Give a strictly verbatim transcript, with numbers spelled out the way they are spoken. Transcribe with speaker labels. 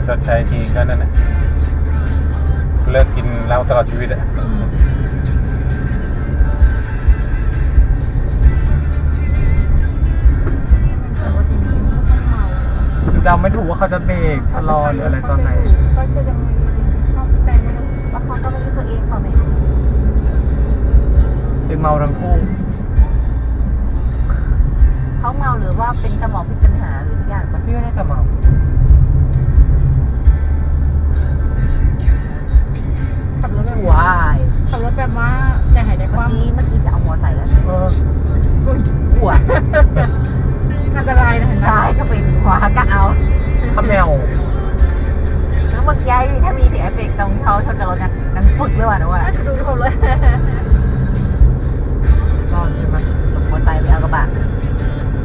Speaker 1: ชดใช้ทีก็นั่นแหละเลิกกินเหล้าตลอดชีวิตอะ
Speaker 2: เดาไม่ถูกว่าเขาจะเบรกชะลอหรืออะไรตอนไหน
Speaker 3: ก็จะยังไม่เขาแต่ไม่รู้ว่าเขาก็ไม่รู้ตัวเองเขาไหม
Speaker 2: เป็นเมาทั้งคู่
Speaker 3: เขาเมาหรือว่าเป็นสมองพิปัญหาหรือทุกอย่างปะ
Speaker 2: พี่ว่าน่าจะเมา
Speaker 3: ขับรถแบบ
Speaker 2: ว้าย
Speaker 3: ขับรถแบบว่าใจหายใจคว่ำเมื่อกี้เมื่อกี้จะเอามอไซค์แล้ว
Speaker 2: เออ
Speaker 3: หัวอันตรายนะเห็นไหมได้ก็เป็นขวาก็เอา
Speaker 2: ขมแมว
Speaker 3: แล้วเมื่อกี้ถ้ามีเสียงเอฟเฟกต์ตรงเขาชนกับรถนั้นนั้นปึกเลยว่ะนะว่ะดูทุกคนเลย
Speaker 2: รอดใช่ไหม
Speaker 3: ลงมอไซค์ไปเอากระบะ